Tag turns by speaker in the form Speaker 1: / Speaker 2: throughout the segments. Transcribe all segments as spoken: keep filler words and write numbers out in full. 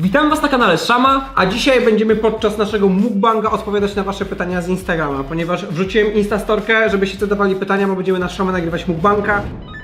Speaker 1: Witam was na kanale Szama, a dzisiaj będziemy podczas naszego mukbanga odpowiadać na wasze pytania z Instagrama, ponieważ wrzuciłem instastorkę, żebyście zadawali pytania, bo będziemy na Szamę nagrywać mukbanga.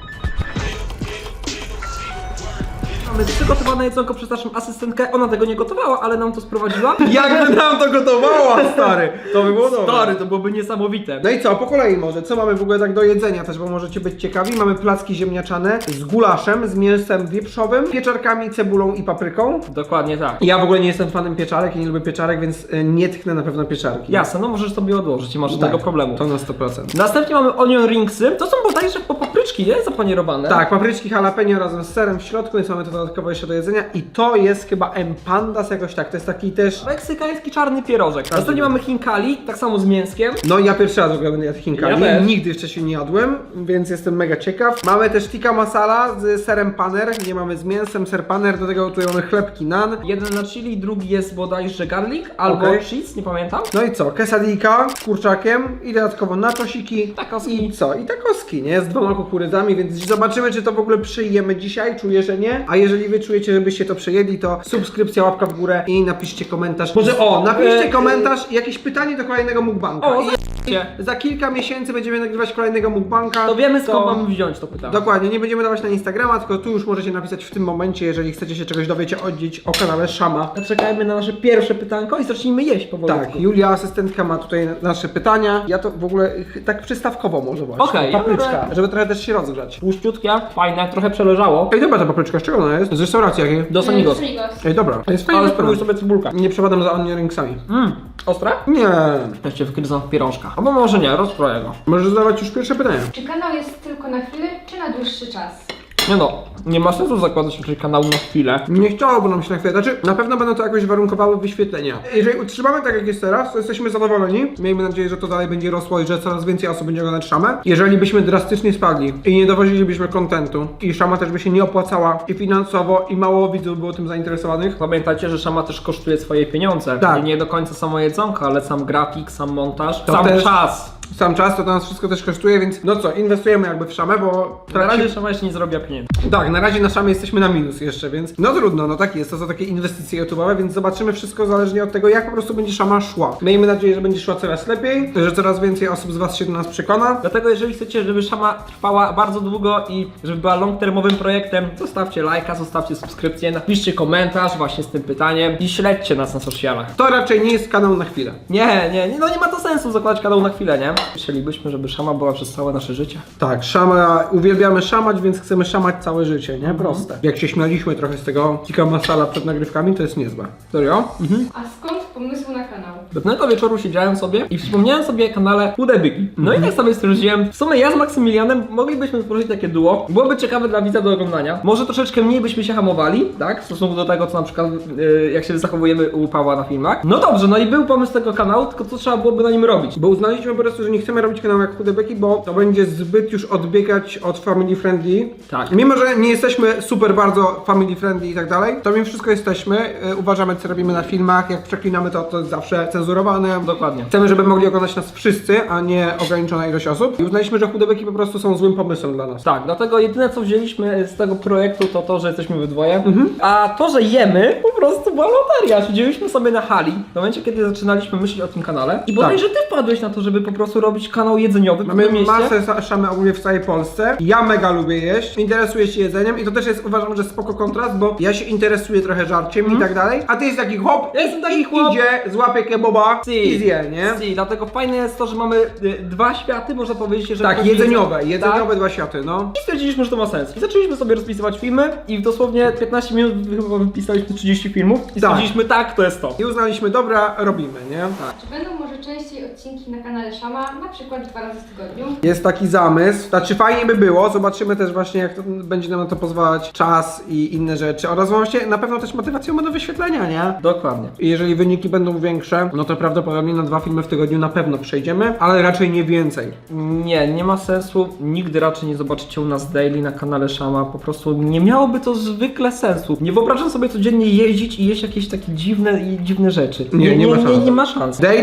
Speaker 1: Mamy przygotowane jedzonko przez naszą asystentkę, ona tego nie gotowała, ale nam to sprowadziła.
Speaker 2: Jakby nam to gotowała, stary! To by było dobre.
Speaker 1: Stary, to byłoby niesamowite.
Speaker 2: No i co, po kolei może, co mamy w ogóle tak do jedzenia też, bo możecie być ciekawi. Mamy placki ziemniaczane z gulaszem, z mięsem wieprzowym, pieczarkami, cebulą i papryką.
Speaker 1: Dokładnie tak.
Speaker 2: Ja w ogóle nie jestem fanem pieczarek i nie lubię pieczarek, więc y, nie tchnę na pewno pieczarki.
Speaker 1: Jasne, no możesz sobie odłożyć, nie masz
Speaker 2: Tak,
Speaker 1: żadnego problemu.
Speaker 2: To na sto procent.
Speaker 1: Następnie mamy onion ringsy, to są bodajże po papryczki, nie? Zapanierowane.
Speaker 2: Tak, papryczki jalapeno razem z serem w środku, więc mamy to dodatkowo jeszcze do jedzenia. I to jest chyba empandas jakoś tak, to jest taki też...
Speaker 1: Meksykański czarny pierożek. Następnie mamy chinkali, tak samo z mięskiem.
Speaker 2: No ja pierwszy raz w ogóle będę jadł chinkali,
Speaker 1: Ja też.
Speaker 2: nigdy wcześniej nie jadłem, więc jestem mega ciekaw. Mamy też tikka masala z serem paner, nie mamy z mięsem, ser paner, do tego tutaj mamy chlebki nan.
Speaker 1: Jeden na chili, drugi jest bodajże garlic albo
Speaker 2: Okej.
Speaker 1: cheese, nie pamiętam.
Speaker 2: No i co, quesadilla z kurczakiem i dodatkowo nachosiki.
Speaker 1: Takoski.
Speaker 2: I co, i takoski, nie? Z dwoma kukurydzami, więc zobaczymy, czy to w ogóle przyjemy dzisiaj, czuję, że nie. A jeżeli wy czujecie, żebyście to przejedli, to subskrypcja, łapka w górę i napiszcie komentarz. Może o, napiszcie
Speaker 1: E,
Speaker 2: komentarz i jakieś pytanie do kolejnego mukbanga.
Speaker 1: O,
Speaker 2: I
Speaker 1: za***cie.
Speaker 2: za kilka miesięcy będziemy nagrywać kolejnego mukbanga.
Speaker 1: To wiemy skąd mamy wziąć to pytanie.
Speaker 2: Dokładnie, nie będziemy dawać na Instagrama, tylko tu już możecie napisać w tym momencie, jeżeli chcecie się czegoś dowiedzieć oddzieć o kanale Szama.
Speaker 1: Czekajmy na nasze pierwsze pytanko i zacznijmy jeść powoli.
Speaker 2: Tak, Julia, asystentka, ma tutaj nasze pytania. Ja to w ogóle ch- tak przystawkowo może właśnie.
Speaker 1: Okej, ja
Speaker 2: papryczka,
Speaker 1: biorę-
Speaker 2: żeby trochę też się rozgrzać.
Speaker 1: Tłuszczutkie, fajne, trochę przeleżało.
Speaker 2: Ej, dobra ta papryczka, z czego ona jest? Z restauracji jakiej?
Speaker 1: Do Sanigos.
Speaker 2: Ej, dobra, jest fajna
Speaker 1: Ale
Speaker 2: sprawa.
Speaker 1: spróbuj sobie cebulkę.
Speaker 2: Nie przepadam za onion ringsami.
Speaker 1: Mmm, ostre?
Speaker 2: Nie.
Speaker 1: Ja cię wgryzam w pierążka. Albo może nie, rozkroję go.
Speaker 2: Możesz zadawać już pierwsze pytanie.
Speaker 3: Czy kanał jest tylko na chwilę, czy na dłuższy czas?
Speaker 1: Nie no, nie ma sensu zakładać raczej kanału na chwilę.
Speaker 2: Nie chciałoby nam się na chwilę, znaczy na pewno będą to jakoś warunkowały wyświetlenia. Jeżeli utrzymamy tak jak jest teraz, to jesteśmy zadowoleni. Miejmy nadzieję, że to dalej będzie rosło i że coraz więcej osób będzie oglądać Szamę. Jeżeli byśmy drastycznie spadli i nie dowozilibyśmy kontentu i Szama też by się nie opłacała i finansowo i mało widzów było tym zainteresowanych.
Speaker 1: Pamiętajcie, że Szama też kosztuje swoje pieniądze.
Speaker 2: Tak.
Speaker 1: I nie do końca samo jedzonko, ale sam grafik, sam montaż,
Speaker 2: To
Speaker 1: sam
Speaker 2: też-
Speaker 1: czas.
Speaker 2: Sam czas to nas wszystko też kosztuje, więc no co, inwestujemy jakby w Szamę, bo
Speaker 1: Na razie Szama jeszcze nie zrobiła pieniędzy.
Speaker 2: tak, na razie na Szamie jesteśmy na minus jeszcze, więc no trudno, no tak jest, to są takie inwestycje YouTube'owe, więc zobaczymy wszystko zależnie od tego, jak po prostu będzie Szama szła. Miejmy nadzieję, że będzie szła coraz lepiej, że coraz więcej osób z was się do nas przekona.
Speaker 1: Dlatego jeżeli chcecie, żeby Szama trwała bardzo długo i żeby była long-termowym projektem, zostawcie lajka, zostawcie subskrypcję, napiszcie komentarz właśnie z tym pytaniem i śledźcie nas na socialach.
Speaker 2: To raczej nie jest kanał na chwilę.
Speaker 1: Nie, nie, nie, no nie ma to sensu zakładać kanał na chwilę, nie? Chcielibyśmy, żeby Szama była przez całe nasze życie.
Speaker 2: Tak, Szama, uwielbiamy szamać, więc chcemy szamać całe życie, nie? Proste. Jak się śmialiśmy trochę z tego tikka masala przed nagrywkami, to jest niezłe. Serio? Mhm.
Speaker 3: A skąd pomysł na kanał?
Speaker 1: Pewnego wieczoru siedziałem sobie i przypomniałem sobie o kanale Chude Byki. No i tak sobie stwierdziłem, w sumie ja z Maksymilianem moglibyśmy stworzyć takie duo. Byłoby ciekawe dla widza do oglądania. Może troszeczkę mniej byśmy się hamowali, tak? W stosunku do tego, co na przykład yy, jak się zachowujemy u Pawła na filmach. No dobrze, no i był pomysł tego kanału, tylko co trzeba byłoby na nim robić?
Speaker 2: Bo uznaliśmy po prostu, że nie chcemy robić kanału jak Chude Byki, bo to będzie zbyt już odbiegać od family friendly.
Speaker 1: Tak.
Speaker 2: Mimo, że nie jesteśmy super bardzo family friendly i tak dalej, to mimo wszystko jesteśmy. Yy, uważamy, co robimy na filmach. Jak przeklinamy, to to jest zawsze cenzurowane.
Speaker 1: Dokładnie.
Speaker 2: Chcemy, żeby mogli oglądać nas wszyscy, a nie ograniczona ilość osób. I uznaliśmy, że Chude Byki po prostu są złym pomysłem dla nas.
Speaker 1: Tak, dlatego jedyne co wzięliśmy z tego projektu to to, że jesteśmy we dwoje.
Speaker 2: Mhm.
Speaker 1: A to, że jemy, po prostu była loteria. Siedzieliśmy sobie na hali w momencie, kiedy zaczynaliśmy myśleć o tym kanale. I bodajże ty wpadłeś na to, żeby po prostu robić kanał jedzeniowy w
Speaker 2: Mamy
Speaker 1: tym mieście.
Speaker 2: masę sa- szamy ogólnie w całej Polsce. Ja mega lubię jeść, interesuję się jedzeniem i to też jest, uważam, że spoko kontrast, bo ja się interesuję trochę żarciem i tak dalej, a ty jest taki chłop,
Speaker 1: Ja jestem taki
Speaker 2: i
Speaker 1: chłop.
Speaker 2: idzie, złapie kebaba i zje, nie?
Speaker 1: Si, dlatego fajne jest to, że mamy y, dwa światy, można powiedzieć, że
Speaker 2: Tak,
Speaker 1: chodzi
Speaker 2: jedzeniowe,
Speaker 1: jedzenie-
Speaker 2: jedzeniowe
Speaker 1: Tak.
Speaker 2: dwa światy, no.
Speaker 1: I stwierdziliśmy, że to ma sens. I zaczęliśmy sobie rozpisywać filmy i w dosłownie piętnaście minut chyba wypisaliśmy trzydzieści filmów i
Speaker 2: Tak.
Speaker 1: stwierdziliśmy tak, to jest to.
Speaker 2: I uznaliśmy, dobra, robimy, nie?
Speaker 1: Tak.
Speaker 3: Czy będą może częściej odcinki na kanale Szama, na przykład dwa razy w tygodniu?
Speaker 2: Jest taki zamysł, znaczy fajnie by było, zobaczymy też właśnie jak to, będzie nam na to pozwalać czas i inne rzeczy oraz właśnie na pewno też motywacją będą wyświetlenia, nie?
Speaker 1: Dokładnie.
Speaker 2: I jeżeli wyniki będą większe, no to prawdopodobnie na dwa filmy w tygodniu na pewno przejdziemy, ale raczej nie więcej.
Speaker 1: Nie, nie ma sensu. Nigdy raczej nie zobaczycie u nas daily na kanale Szama. Po prostu nie miałoby to zwykle sensu. Nie wyobrażam sobie codziennie jeździć i jeść jakieś takie dziwne i dziwne rzeczy.
Speaker 2: Nie, nie ma
Speaker 1: nie,
Speaker 2: szans.
Speaker 1: nie ma szans.
Speaker 2: Daily na pewno u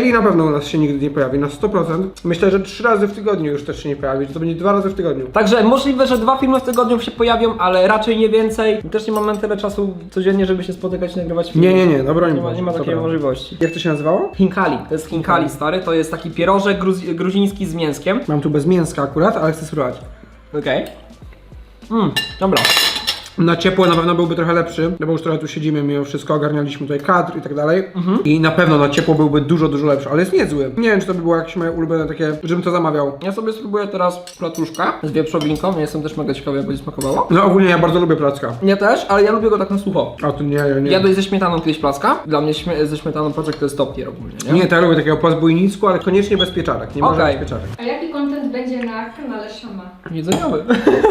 Speaker 2: nas się nigdy nie pojawi, na sto procent. Myślę, że trzy razy w tygodniu już też się nie pojawi, że to będzie dwa razy w tygodniu.
Speaker 1: Także możliwe, że dwa filmy w tygodniu się pojawią, ale raczej nie więcej. Też nie mamy tyle czasu codziennie, żeby się spotykać i nagrywać filmy.
Speaker 2: Nie, nie, nie, no broń
Speaker 1: Nie ma, nie ma
Speaker 2: Boże,
Speaker 1: takiej
Speaker 2: dobra.
Speaker 1: możliwości.
Speaker 2: Jak to się nazywało?
Speaker 1: Hinkali, to jest hinkali stary, to jest taki pierożek gruz- gruziński z mięskiem.
Speaker 2: Mam tu bez mięska akurat, ale chcę spróbować.
Speaker 1: Okej. Mmm, dobra.
Speaker 2: Na ciepło na pewno byłby trochę lepszy, no bo już trochę tu siedzimy, mimo wszystko ogarnialiśmy tutaj kadr i tak dalej. I na pewno na ciepło byłby dużo, dużo lepszy, ale jest niezły. Nie wiem, czy to by było jakieś moje ulubione takie, żebym to zamawiał.
Speaker 1: Ja sobie spróbuję teraz platuszka z wieprzowinką, jestem też mega ciekawy, jak będzie smakowało.
Speaker 2: No ogólnie ja bardzo lubię placka.
Speaker 1: Ja też, ale ja lubię go tak na sucho.
Speaker 2: A tu nie, nie, nie.
Speaker 1: Jadłeś ze śmietaną kiedyś placka? Dla mnie śmie- ze śmietaną placek to jest top tier ogólnie, nie?
Speaker 2: Nie, to ja lubię takiego po zbójnicku, ale koniecznie bez pieczarek, nie może
Speaker 1: Okej.
Speaker 2: bez pieczarek.
Speaker 3: A jaki content będzie na kanale Szama?
Speaker 1: Jedzeniowy.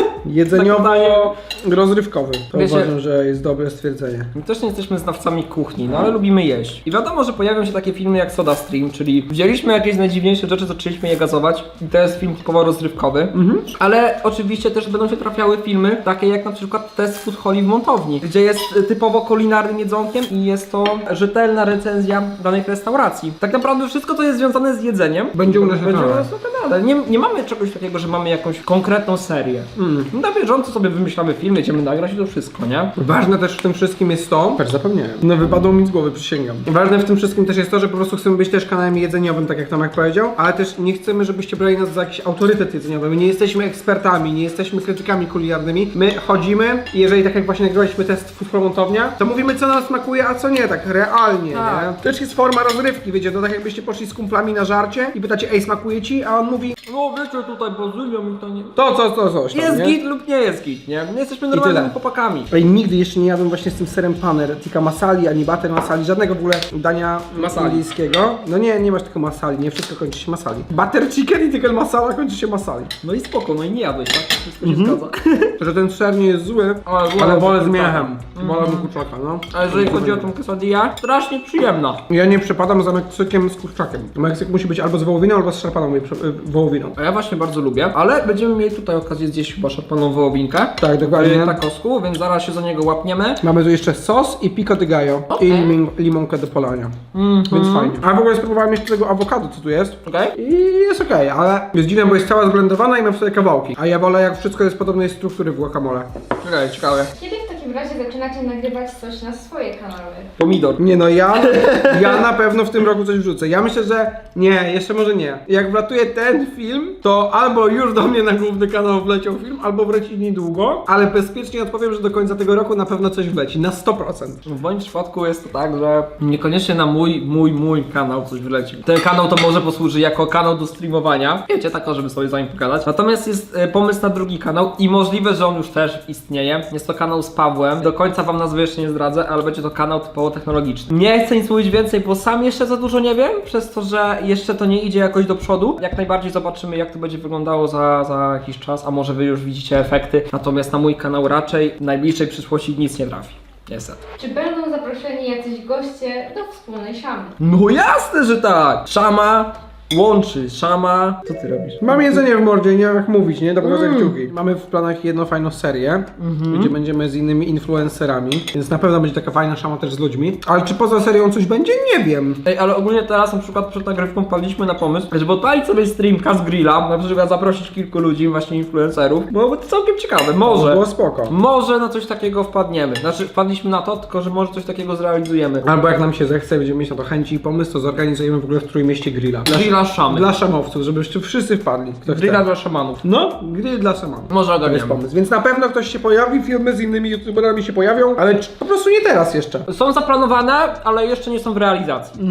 Speaker 2: Jedzeniowo-rozrywkowy. To
Speaker 1: Wiecie-
Speaker 2: uważam, że jest dobre stwierdzenie.
Speaker 1: My też nie jesteśmy znawcami kuchni, no ale lubimy jeść. I wiadomo, że pojawią się takie filmy jak Soda Stream, czyli wzięliśmy jakieś najdziwniejsze rzeczy, zaczęliśmy je gazować i to jest film typowo rozrywkowy. Ale oczywiście też będą się trafiały filmy takie jak na przykład Test Food Holi w Montowni, gdzie jest y, typowo kulinarnym jedzonkiem i jest to rzetelna recenzja danej restauracji. Tak naprawdę wszystko, co jest związane z jedzeniem,
Speaker 2: Będzie u nas na
Speaker 1: będzie u
Speaker 2: kanale.
Speaker 1: nas na kanale. Nie, nie mamy czegoś takiego, że mamy jakąś konkretną serię.
Speaker 2: Mm.
Speaker 1: Na bieżąco sobie wymyślamy film, jedziemy nagrać i to wszystko, nie?
Speaker 2: Ważne też w tym wszystkim jest to, też zapomniałem, no wypadło mi z głowy, przysięgam. Ważne w tym wszystkim też jest to, że po prostu chcemy być też kanałem jedzeniowym, tak jak Tomek powiedział, ale też nie chcemy, żebyście brali nas za jakiś autorytet jedzeniowy. My nie jesteśmy ekspertami, nie jesteśmy krytykami kulinarnymi. My chodzimy i jeżeli tak jak właśnie nagrywaliśmy test Food Hall Montownia, to mówimy co nam smakuje, a co nie, tak realnie,
Speaker 1: Tak.
Speaker 2: nie? To też jest forma rozrywki, wiecie, to tak jakbyście poszli z kumplami na żarcie i pytacie, ej, smakuje ci? A on mówi,
Speaker 1: No wiecie, tutaj bazylia mi to nie...
Speaker 2: to, co, co, coś tam,
Speaker 1: Jest
Speaker 2: nie?
Speaker 1: git lub nie jest git, nie? My jesteśmy
Speaker 2: tyle.
Speaker 1: normalnymi chłopakami.
Speaker 2: Ej, nigdy jeszcze nie jadłem właśnie z tym serem paner, tikka masali, ani butter masali, żadnego w ogóle dania
Speaker 1: Masali.
Speaker 2: indyjskiego. No nie, nie masz tylko masali, nie wszystko kończy się masali. Butter chicken i tikka masala kończy się masali.
Speaker 1: No i spoko, no i nie jadłeś, tak? Wszystko się
Speaker 2: Mhm.
Speaker 1: zgadza.
Speaker 2: Że ten ser nie jest zły,
Speaker 1: Ale wolę
Speaker 2: ale wolę z
Speaker 1: kurczaka.
Speaker 2: miechem. Wolę kurczaka, no.
Speaker 1: A jeżeli chodzi o tą quesadillę, strasznie przyjemna.
Speaker 2: Ja nie przepadam za Meksykiem z kurczakiem. Meksyk musi być albo z wołowiną, albo z szarpaną y, wołowiną.
Speaker 1: A ja właśnie bardzo lubię, ale będziemy mieli tutaj okazję zjeść chyba szarpaną wołowinkę.
Speaker 2: Tak, dokładnie.
Speaker 1: W takosku, więc zaraz się za niego łapniemy.
Speaker 2: Mamy tu jeszcze sos i pico de gallo
Speaker 1: Okej.
Speaker 2: i lim limonkę do polania.
Speaker 1: Mhm.
Speaker 2: Więc fajnie. A w ogóle spróbowałem jeszcze tego awokado, co tu jest.
Speaker 1: Okej?
Speaker 2: I jest okej, ale jest dziwne, bo jest cała zblendowana i ma w sobie kawałki. A ja wolę, jak wszystko jest podobnej struktury w guacamole.
Speaker 1: Okej, ciekawe.
Speaker 3: Kiedy w takim razie zaczynacie nagrywać coś na swoje kanały?
Speaker 1: Pomidor.
Speaker 2: Nie no, ja, ja na pewno w tym roku coś wrzucę. Ja myślę, że nie, jeszcze może nie. Jak wlatuje ten film, to albo już do mnie na główny kanał wleciał film, albo wleci niedługo, ale bezpiecznie odpowiem, że do końca tego roku na pewno coś wleci, na sto procent.
Speaker 1: W moim przypadku jest to tak, że niekoniecznie na mój, mój, mój kanał coś wyleci. Ten kanał to może posłuży jako kanał do streamowania. Wiecie, tak, żeby sobie za nim pogadać. Natomiast jest e, pomysł na drugi kanał i możliwe, że on już też istnieje. Jest to kanał z Pawłem. Do końca wam nazwy jeszcze nie zdradzę, ale będzie to kanał typowo technologiczny. Nie chcę nic mówić więcej, bo sam jeszcze za dużo nie wiem, przez to, że jeszcze to nie idzie jakoś do przodu. Jak najbardziej zobaczymy, jak to będzie wyglądało za, za jakiś czas, a może wy już widzicie efekty. Natomiast na mój kanał raczej w najbliższej przyszłości nic nie trafi. Niestety.
Speaker 3: Czy będą zaproszeni jacyś goście do wspólnej Szamy?
Speaker 1: No jasne, że tak! Szama łączy, szama... Co ty robisz?
Speaker 2: Mam jedzenie w mordzie, nie wiem jak mówić, nie? Dobra,
Speaker 1: Mm.
Speaker 2: kciuki. Mamy w planach jedną fajną serię, gdzie będziemy z innymi influencerami, więc na pewno będzie taka fajna szama też z ludźmi. Ale czy poza serią coś będzie? Nie wiem.
Speaker 1: Ej, ale ogólnie teraz na przykład przed nagrywką wpadliśmy na pomysł, żeby odpalić sobie streamka z grilla, na przykład zaprosić kilku ludzi, właśnie influencerów. Byłoby to całkiem ciekawe, może.
Speaker 2: Było spoko.
Speaker 1: Może na coś takiego wpadniemy. Znaczy wpadliśmy na to, tylko że może coś takiego zrealizujemy.
Speaker 2: Albo jak nam się zechce, będziemy mieć na to chęci i pomysł, to zorganizujemy w ogóle w Trójmieście grilla. Dla,
Speaker 1: Grilla szamy.
Speaker 2: dla szamowców, żebyście wszyscy wpadli. Kto
Speaker 1: Grilla
Speaker 2: chce.
Speaker 1: dla szamanów.
Speaker 2: No, grill dla szamowców.
Speaker 1: Może
Speaker 2: To jest
Speaker 1: ogarniemy.
Speaker 2: pomysł. Więc na pewno ktoś się pojawi, filmy z innymi youtuberami się pojawią, ale czy- po prostu nie teraz jeszcze.
Speaker 1: Są zaplanowane, ale jeszcze nie są w realizacji.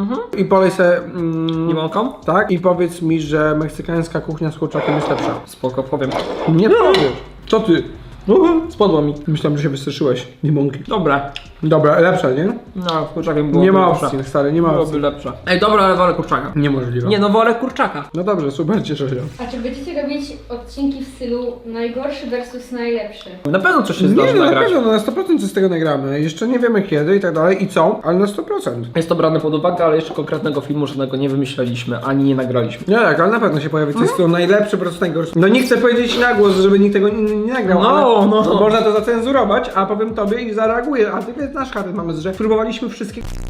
Speaker 2: I polej se... Mm,
Speaker 1: Limonką?
Speaker 2: tak, i powiedz mi, że meksykańska kuchnia z kurczakiem jest lepsza.
Speaker 1: Spoko, powiem.
Speaker 2: Nie powiesz. Co ty?
Speaker 1: Spadło mi.
Speaker 2: Myślałem, że się wystraszyłeś. Limonki.
Speaker 1: Dobra.
Speaker 2: Dobra, lepsza, nie?
Speaker 1: No, kurczakiem było
Speaker 2: Nie ma
Speaker 1: lepsze.
Speaker 2: opcji, stary, nie ma
Speaker 1: Byłoby
Speaker 2: opcji.
Speaker 1: lepsze. Ej, dobra, ale wolę kurczaka.
Speaker 2: Niemożliwe.
Speaker 1: Nie, no wolę kurczaka.
Speaker 2: No dobrze, super, cieszę się.
Speaker 3: A czy będziecie robić odcinki w stylu najgorszy versus najlepszy?
Speaker 1: Na pewno coś się
Speaker 2: Nie,
Speaker 1: zdarzy
Speaker 2: no na
Speaker 1: nagrać.
Speaker 2: pewno, no na sto procent coś z tego nagramy. Jeszcze nie wiemy kiedy i tak dalej i co, ale na sto procent.
Speaker 1: Jest to brane pod uwagę, ale jeszcze konkretnego filmu żadnego nie wymyśleliśmy, ani nie nagraliśmy.
Speaker 2: Nie, tak, ale na pewno się pojawi coś, co najlepsze, po prostu najgorsze. No nie chcę powiedzieć na głos, żeby nikt tego nie, nie nagrał,
Speaker 1: No,
Speaker 2: ale
Speaker 1: no.
Speaker 2: no, można to zacenzurować, a powiem tobie i zareaguję, a ty znasz charyzm mamy, że próbowaliśmy wszystkie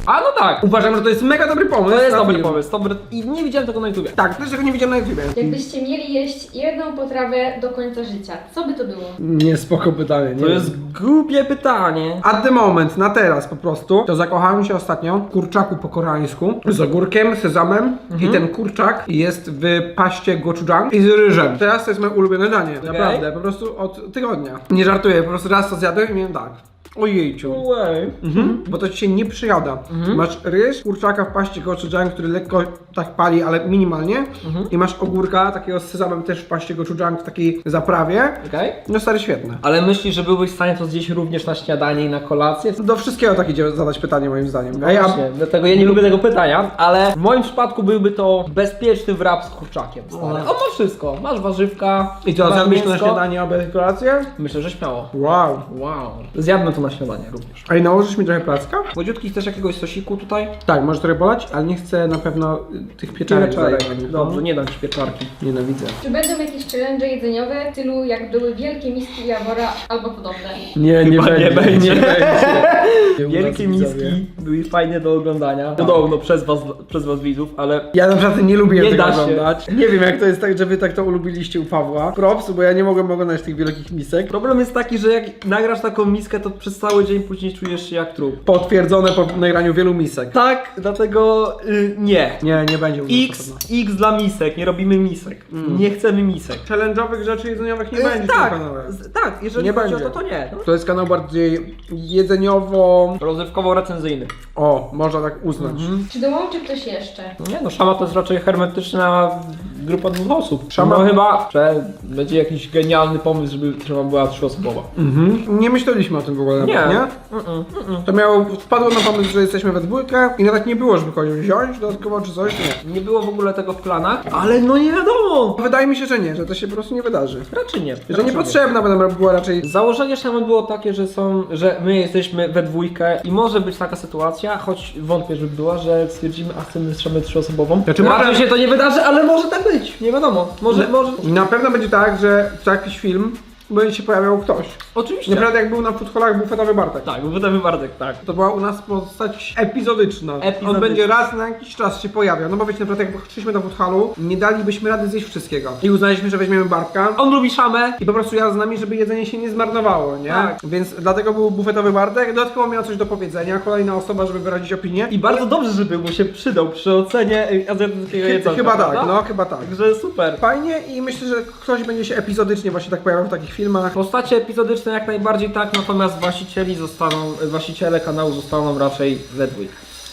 Speaker 1: A no tak,
Speaker 2: Uważam, że to jest mega dobry pomysł.
Speaker 1: to jest
Speaker 2: na
Speaker 1: dobry
Speaker 2: film.
Speaker 1: pomysł, dobry. I nie widziałem tego na YouTubie.
Speaker 2: Tak, też tego nie widziałem na YouTubie.
Speaker 3: Jakbyście mieli jeść jedną potrawę do końca życia, co by to było?
Speaker 2: Nie, spoko pytanie. Nie
Speaker 1: To jest głupie pytanie.
Speaker 2: At the moment, na teraz po prostu, to zakochałem się ostatnio w kurczaku po koreańsku z ogórkiem, sezamem i ten kurczak jest w paście gochujang i z ryżem. Teraz to jest moje ulubione danie, naprawdę, po prostu od tygodnia. Nie żartuję, po prostu raz to zjadłem i miałem tak. Ojejciu.
Speaker 1: Way.
Speaker 2: Mhm. Bo to ci się nie przyjada. Masz ryż, kurczaka w paście gochujang, który lekko tak pali, ale minimalnie. I masz ogórka takiego z sezamem też w paście gochujang w takiej zaprawie.
Speaker 1: Okej.
Speaker 2: No stary, świetne.
Speaker 1: Ale myślisz, że byłbyś w stanie to zjeść również na śniadanie i na kolację?
Speaker 2: Do wszystkiego tak idzie zadać pytanie moim zdaniem.
Speaker 1: No
Speaker 2: A ja,
Speaker 1: właśnie, dlatego ja nie lubię tego pytania, ale w moim przypadku byłby to bezpieczny wrap z kurczakiem. Stary. On ma wszystko. Masz warzywka,
Speaker 2: I to
Speaker 1: masz
Speaker 2: zjadłbyś to na
Speaker 1: mięsko.
Speaker 2: śniadanie, obiad i kolację?
Speaker 1: Myślę, że śmiało.
Speaker 2: Wow.
Speaker 1: Wow. Zjadłem to na śniadanie również.
Speaker 2: A i nałożysz mi trochę placka?
Speaker 1: Młodziutki, chcesz jakiegoś sosiku tutaj?
Speaker 2: Tak, może trochę bolać, ale nie chcę na pewno y, tych pieczarek.
Speaker 1: Pieczarek.
Speaker 2: zajmować.
Speaker 1: Dobrze, nie dam ci pieczarki.
Speaker 2: Nienawidzę.
Speaker 3: Czy będą jakieś challenge jedzeniowe w stylu jak były wielkie miski Jawora albo podobne?
Speaker 2: Nie, nie
Speaker 1: Chyba nie będzie.
Speaker 2: Nie będzie.
Speaker 1: Wielkie miski były fajne do oglądania. Podobno przez was, przez was widzów, ale
Speaker 2: Ja naprawdę nie lubię
Speaker 1: Nie
Speaker 2: tego
Speaker 1: da się.
Speaker 2: oglądać. Nie wiem jak to jest tak, że wy tak to ulubiliście u Pawła. Props, bo ja nie mogłem oglądać tych wielkich misek.
Speaker 1: problem jest taki, że jak nagrasz taką miskę, to przez cały dzień później czujesz się jak trup.
Speaker 2: Potwierdzone po nagraniu wielu misek.
Speaker 1: Tak, dlatego y, nie.
Speaker 2: Nie, nie będzie u nas na
Speaker 1: X,
Speaker 2: pewno.
Speaker 1: X dla misek, nie robimy misek. Nie chcemy misek.
Speaker 2: Challenge'owych rzeczy jedzeniowych nie
Speaker 1: Y,
Speaker 2: będzie
Speaker 1: tak,
Speaker 2: w tym kanale.
Speaker 1: z- tak, jeżeli
Speaker 2: Nie
Speaker 1: chodzi
Speaker 2: będzie.
Speaker 1: o to, to nie. No.
Speaker 2: To jest kanał bardziej jedzeniowo...
Speaker 1: Rozrywkowo-recenzyjny.
Speaker 2: O, można tak uznać.
Speaker 3: Czy dołączy ktoś jeszcze?
Speaker 1: Nie no, Szama to jest raczej hermetyczna grupa dwóch osób.
Speaker 2: Szama-
Speaker 1: No chyba, że będzie jakiś genialny pomysł, żeby Szama była trzyosobowa.
Speaker 2: Mhm. Nie myśleliśmy o tym w ogóle.
Speaker 1: Nie.
Speaker 2: Nawet, nie?
Speaker 1: Mm-mm, mm-mm.
Speaker 2: To miało, wpadło na pomysł, że jesteśmy we dwójkę i nawet nie było, żeby kogoś wziąć dodatkowo czy coś, nie.
Speaker 1: Nie było w ogóle tego w planach, ale no nie wiadomo.
Speaker 2: Wydaje mi się, że nie, że to się po prostu nie wydarzy.
Speaker 1: Raczej nie.
Speaker 2: Że
Speaker 1: raczej
Speaker 2: niepotrzebna będą była raczej...
Speaker 1: Założenie Szamy było takie, że są, że my jesteśmy we dwójkę i może być taka sytuacja, choć wątpię, żeby była, że stwierdzimy, a chcemy z Szamę trzyosobową.
Speaker 2: Znaczy,
Speaker 1: Raczej
Speaker 2: może-
Speaker 1: się to nie wydarzy, ale może tak być. Nie wiadomo. Może, może.
Speaker 2: Na pewno będzie tak, że w jakiś film będzie się pojawiał ktoś.
Speaker 1: Oczywiście.
Speaker 2: Naprawdę jak był na foodhallach bufetowy Bartek.
Speaker 1: Tak, bo wydamy Bartek, tak.
Speaker 2: To była u nas postać epizodyczna.
Speaker 1: Epizodyczna.
Speaker 2: On będzie raz na jakiś czas się pojawiał. No bo wiecie, naprawdę jak szliśmy do foodhallu, nie dalibyśmy rady zjeść wszystkiego. I uznaliśmy, że weźmiemy Bartka.
Speaker 1: On lubi Szamę.
Speaker 2: I po prostu ja z nami, żeby jedzenie się nie zmarnowało, nie?
Speaker 1: Tak.
Speaker 2: Więc dlatego był bufetowy Bartek. Dodatkowo miał coś do powiedzenia. Kolejna osoba, żeby wyrazić opinię.
Speaker 1: I bardzo dobrze, żeby mu się przydał przy ocenie y, azjatyckiego
Speaker 2: Chy-
Speaker 1: jedzonka,
Speaker 2: chyba tak,
Speaker 1: prawda?
Speaker 2: no chyba tak.
Speaker 1: Także super.
Speaker 2: Fajnie i myślę, że ktoś będzie się epizodycznie właśnie tak pojawiał w takich filmach.
Speaker 1: Postacie epizodyczne jak najbardziej tak, natomiast właścicieli zostaną, właściciele kanału zostaną raczej we dwójkę.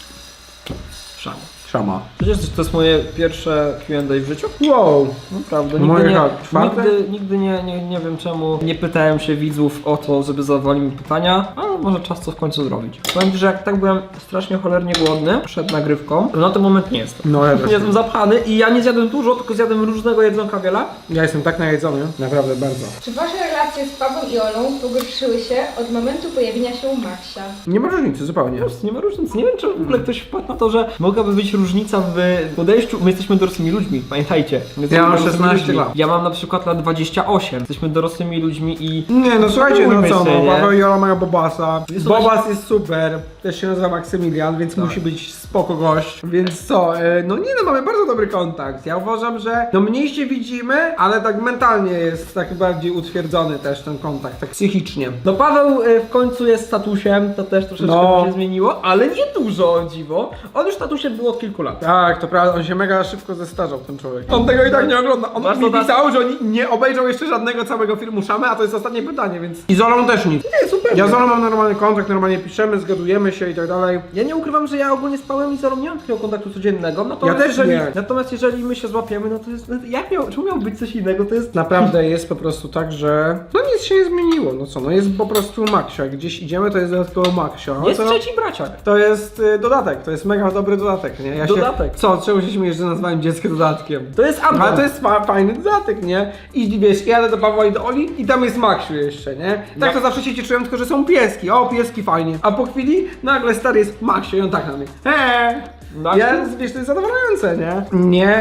Speaker 1: Szama.
Speaker 2: Szama.
Speaker 1: Przecież to jest moje pierwsze Q and A w życiu.
Speaker 2: Wow.
Speaker 1: Naprawdę,
Speaker 2: Moje
Speaker 1: nigdy, nie,
Speaker 2: jak, czwarte?
Speaker 1: nigdy, nigdy nie, nie, nie wiem czemu nie pytałem się widzów o to, żeby zadawali mi pytania, ale może czas to w końcu zrobić. Powiem ci, że jak tak byłem strasznie cholernie głodny przed nagrywką, to na ten moment nie jestem.
Speaker 2: No ja też.
Speaker 1: Jestem zapchany i ja nie zjadłem dużo, tylko zjadłem różnego jedzonka wiele.
Speaker 2: Ja jestem tak najedzony. Naprawdę bardzo.
Speaker 3: Czy wasze relacje z Pawłem i Olą pogorszyły się od momentu pojawienia się Maxia?
Speaker 2: Nie ma różnicy, zupełnie.
Speaker 1: Po prostu nie ma różnicy. Nie wiem, czy w ogóle ktoś wpadł na to, że mogłaby być różnica w podejściu. My jesteśmy dorosłymi ludźmi, pamiętajcie. My jesteśmy
Speaker 2: Ja mam
Speaker 1: dorosłymi
Speaker 2: szesnaście
Speaker 1: ludźmi.
Speaker 2: lat.
Speaker 1: Ja mam na przykład lat dwadzieścia osiem. Jesteśmy dorosłymi ludźmi i...
Speaker 2: Nie, no słuchajcie, no
Speaker 1: Spróbujmy
Speaker 2: co,
Speaker 1: się,
Speaker 2: no,
Speaker 1: nie?
Speaker 2: Paweł i Ola mają Bobasa.
Speaker 1: Jest
Speaker 2: Bobas jest super, też się nazywa Maksymilian, więc musi być spoko gość. Więc co, e, no nie no, mamy bardzo dobry kontakt. Ja uważam, że no mniej się widzimy, ale tak mentalnie jest tak bardziej utwierdzony też ten kontakt, tak psychicznie.
Speaker 1: No Paweł y, w końcu jest statusem, to też troszeczkę
Speaker 2: No.
Speaker 1: mu się zmieniło, ale nie dużo, o dziwo. On już statusem był od kilku lat.
Speaker 2: Tak, to prawda, on się mega szybko zestarzał, ten człowiek. On tego i tak nie ogląda. On
Speaker 1: Bardzo
Speaker 2: mi
Speaker 1: tak.
Speaker 2: pisał, że on nie obejrzał jeszcze żadnego całego filmu Szamy, a to jest ostatnie pytanie, więc... I z Olą też nic.
Speaker 1: Nie, super.
Speaker 2: Ja z Olą mam normalny kontakt, normalnie piszemy, zgadujemy się i tak dalej.
Speaker 1: Ja nie ukrywam, że ja ogólnie z Pawłem i Zolą nie mam takiego kontaktu codziennego, natomiast,
Speaker 2: Ja też
Speaker 1: jeżeli,
Speaker 2: nie.
Speaker 1: natomiast jeżeli my się złapiemy, no to jest, no, jak miał, czemu miał być coś innego, to jest...
Speaker 2: Naprawdę jest po prostu tak, że no nic się nie zmieniło, no co, no jest po prostu Maxia, gdzieś idziemy, to jest dodatkowo Maxia. No
Speaker 1: Jest
Speaker 2: co?
Speaker 1: trzeci braciak.
Speaker 2: To jest y, dodatek, to jest mega dobry dodatek, nie? Ja
Speaker 1: Dodatek.
Speaker 2: Się, co, czemu się śmiejesz, że nazwałem dziecko dodatkiem?
Speaker 1: To jest addon.
Speaker 2: Ale to jest fa fajny dodatek, nie? I wiesz, jadę do Pawła i do Oli i tam jest Maxiu jeszcze, nie? Tak to zawsze się cieszyłem, tylko że są pieski, o pieski fajnie. A po chwili nagle stary jest Maxiu i on tak na mnie. Eee!
Speaker 1: Maxiu?
Speaker 2: Ja, wiesz, to jest zadowalające, nie? Nie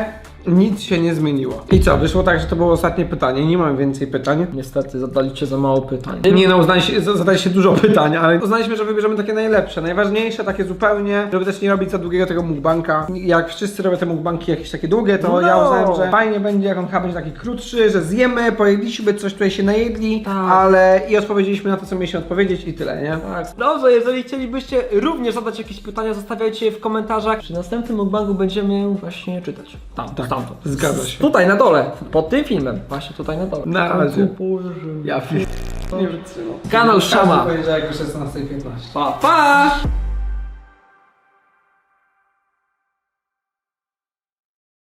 Speaker 2: Nic się nie zmieniło. I co, wyszło tak, że to było ostatnie pytanie, nie mam więcej pytań.
Speaker 1: Niestety zadaliście za mało pytań.
Speaker 2: Nie no, uznaliście, zadaliście dużo pytań, ale uznaliśmy, że wybierzemy takie najlepsze, najważniejsze, takie zupełnie, żeby też nie robić za długiego tego mukbanka. Jak wszyscy robią te mukbanki jakieś takie długie, to
Speaker 1: No.
Speaker 2: ja uznałem, że fajnie będzie, jak on chyba będzie taki krótszy, że zjemy, pojedliśmy, coś tutaj się najedli,
Speaker 1: Tak.
Speaker 2: ale i odpowiedzieliśmy na to, co mieliśmy odpowiedzieć i tyle, nie?
Speaker 1: Tak. Dobrze, jeżeli chcielibyście również zadać jakieś pytania, zostawiajcie je w komentarzach. Przy następnym mukbangu będziemy właśnie czytać. Tam,
Speaker 2: Tak,
Speaker 1: stamtąd.
Speaker 2: zgadza się.
Speaker 1: Tutaj na dole, pod tym filmem. Właśnie tutaj na dole.
Speaker 2: Na razie.
Speaker 1: Boże.
Speaker 2: Ja nie wytrzymam.
Speaker 1: Kanał Szama.
Speaker 2: Poniedziałek o szesnasta piętnaście.
Speaker 1: Pa, pa!